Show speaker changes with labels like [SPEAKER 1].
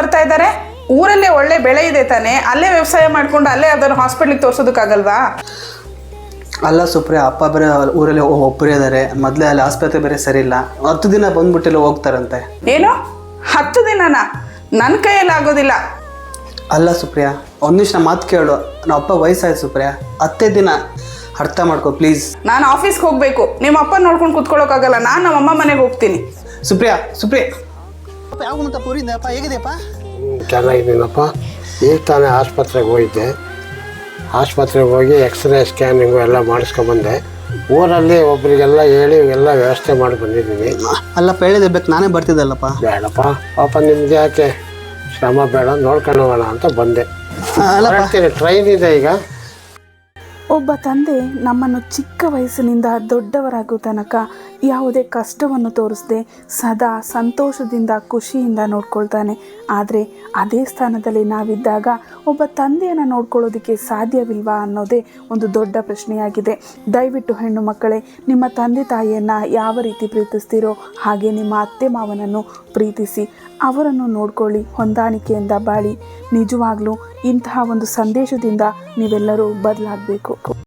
[SPEAKER 1] ಬರ್ತಾ ಇದ್ದಾರೆ? ಊರಲ್ಲೇ ಒಳ್ಳೆ ಬೆಳೆ ಇದೆ ತಾನೆ, ಅಲ್ಲೇ ವ್ಯವಸಾಯ ಮಾಡ್ಕೊಂಡು ಅಲ್ಲೇ ಯಾವ್ದಾದ್ರು ಹಾಸ್ಪಿಟ್ಲಿಗೆ ತೋರ್ಸೋದಕ್ಕಾಗಲ್ವಾ?
[SPEAKER 2] ಅಲ್ಲ ಸುಪ್ರಿಯಾ, ಅಪ್ಪ ಬೇರೆ ಊರಲ್ಲಿ ಒಬ್ಬರೇ ಇದ್ದಾರೆ, ಮೊದಲೇ ಅಲ್ಲಿ ಆಸ್ಪತ್ರೆ ಬೇರೆ ಸರಿ ಇಲ್ಲ, 10 ದಿನ ಬಂದ್ಬಿಟ್ಟಿಲ್ಲ ಹೋಗ್ತಾರಂತೆ.
[SPEAKER 1] ಏನು 10 ದಿನನಾ? ನನ್ನ ಕೈಯಲ್ಲಿ ಆಗೋದಿಲ್ಲ.
[SPEAKER 2] ಅಲ್ಲ ಸುಪ್ರಿಯಾ, ಒಂದು ನಿಮಿಷ ಮಾತು ಕೇಳು, ನಮ್ಮ ಅಪ್ಪ ವಯಸ್ಸಾಯ್ತು ಸುಪ್ರಿಯಾ, 10 ದಿನ ಅರ್ಥ ಮಾಡ್ಕೊ ಪ್ಲೀಸ್.
[SPEAKER 1] ನಾನು ಆಫೀಸ್ಗೆ ಹೋಗಬೇಕು, ನಿಮ್ಮ ಅಪ್ಪ ನೋಡ್ಕೊಂಡು ಕುತ್ಕೊಳ್ಳೋಕ್ಕಾಗಲ್ಲ, ನಾನು ನಮ್ಮಮ್ಮ ಮನೆಗೆ ಹೋಗ್ತೀನಿ.
[SPEAKER 2] ಸುಪ್ರಿಯಾ ಯಾವ ಅಂತ ಪೂರಿಂದಪ್ಪ, ಹೇಗಿದೆಯಪ್ಪ?
[SPEAKER 3] ಚೆನ್ನಾಗಿದ್ದೀನಪ್ಪ. ಈಗ ತಾನೇ ಆಸ್ಪತ್ರೆಗೆ ಹೋಗಿದ್ದೆ. ಆಸ್ಪತ್ರೆಗೆ ಹೋಗಿ ಎಕ್ಸ್ರೇ ಸ್ಕ್ಯಾನಿಂಗು ಎಲ್ಲ ಮಾಡಿಸ್ಕೊಂಬಂದೆ. ಊರಲ್ಲಿ ಒಬ್ಬರಿಗೆಲ್ಲ ಹೇಳಿ ಎಲ್ಲ ವ್ಯವಸ್ಥೆ ಮಾಡಿ ಬಂದಿದ್ದೀನಿ.
[SPEAKER 2] ಅಲ್ಲಪ್ಪ, ಹೇಳಿದೆ ಬೇಕು ನಾನೇ ಬರ್ತಿದ್ದಲ್ಲಪ್ಪ.
[SPEAKER 3] ಬೇಡಪ್ಪ, ಪಾಪ ನಿಮ್ಗೆ ಯಾಕೆ ಶ್ರಮ ಬೇಡ, ನೋಡ್ಕೊಂಡು ಹೋಗೋಣ ಅಂತ ಬಂದೆ. ಟ್ರೈನ್ ಇದೆ ಈಗ.
[SPEAKER 4] ಒಬ್ಬ ತಂದೆ ನಮ್ಮನ್ನು ಚಿಕ್ಕ ವಯಸ್ಸಿನಿಂದ ದೊಡ್ಡವರಾಗೋ ತನಕ ಯಾವುದೇ ಕಷ್ಟವನ್ನು ತೋರಿಸದೆ ಸದಾ ಸಂತೋಷದಿಂದ ಖುಷಿಯಿಂದ ನೋಡ್ಕೊಳ್ತಾನೆ. ಆದರೆ ಅದೇ ಸ್ಥಾನದಲ್ಲಿ ನಾವಿದ್ದಾಗ ಒಬ್ಬ ತಂದೆಯನ್ನು ನೋಡ್ಕೊಳ್ಳೋದಕ್ಕೆ ಸಾಧ್ಯವಿಲ್ವಾ ಅನ್ನೋದೇ ಒಂದು ದೊಡ್ಡ ಪ್ರಶ್ನೆಯಾಗಿದೆ. ದಯವಿಟ್ಟು ಹೆಣ್ಣು ಮಕ್ಕಳೇ, ನಿಮ್ಮ ತಂದೆ ತಾಯಿಯನ್ನು ಯಾವ ರೀತಿ ಪ್ರೀತಿಸ್ತೀರೋ ಹಾಗೆ ನಿಮ್ಮ ಅತ್ತೆ ಮಾವನನ್ನು ಪ್ರೀತಿಸಿ ಅವರನ್ನು ನೋಡ್ಕೊಳ್ಳಿ, ಹೊಂದಾಣಿಕೆಯಿಂದ ಬಾಳಿ. ನಿಜವಾಗ್ಲೂ ಇಂತಹ ಒಂದು ಸಂದೇಶದಿಂದ ನೀವೆಲ್ಲರೂ ಬದಲಾಗಬೇಕು.